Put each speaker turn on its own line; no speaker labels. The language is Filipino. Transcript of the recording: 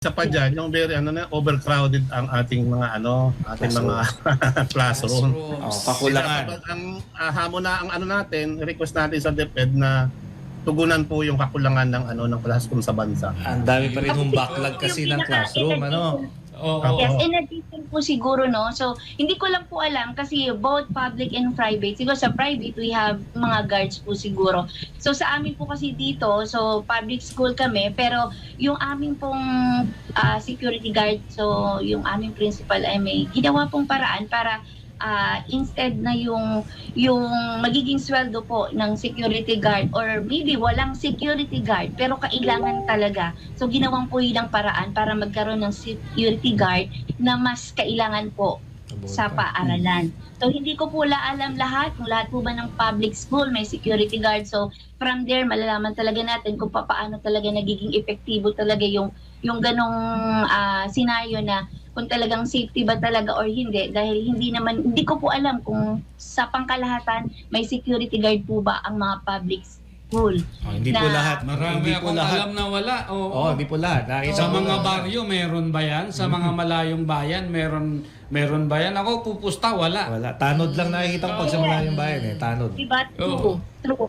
Isa pa dyan, yung very overcrowded ang ating mga mga classroom.
Kakulangan.
Ang hamon na ang natin, request natin sa DepEd na tugunan po yung kakulangan ng classroom sa bansa.
Ang dami pa rin yung backlog kasi ng classroom,
Yes, in addition po siguro, no? So, hindi ko lang po alam kasi both public and private. Siguro sa private, we have mga guards po siguro. So, sa amin po kasi dito, so public school kami, pero yung aming pong security guard, so yung aming principal ay may ginawa pong paraan para instead na yung magiging sweldo po ng security guard or maybe walang security guard pero kailangan talaga. So ginawang po yun ang paraan para magkaroon ng security guard na mas kailangan po sa paaralan. So hindi ko po alam lahat, kung lahat po ba ng public school may security guard. So from there malalaman talaga natin kung paano talaga nagiging epektibo talaga yung ganong scenario na kung talagang safety ba talaga or hindi, dahil hindi ko po alam kung sa pangkalahatan may security guard po ba ang mga public school.
Hindi po lahat.
Marami akong alam na wala.
Hindi po lahat.
Sa mga baryo, meron ba yan? Sa mga malayong bayan, meron ba yan? Ako pupusta, wala.
Wala. Tanod lang nakikita ko pag sa malayong bayan. Tanod.
Diba? True.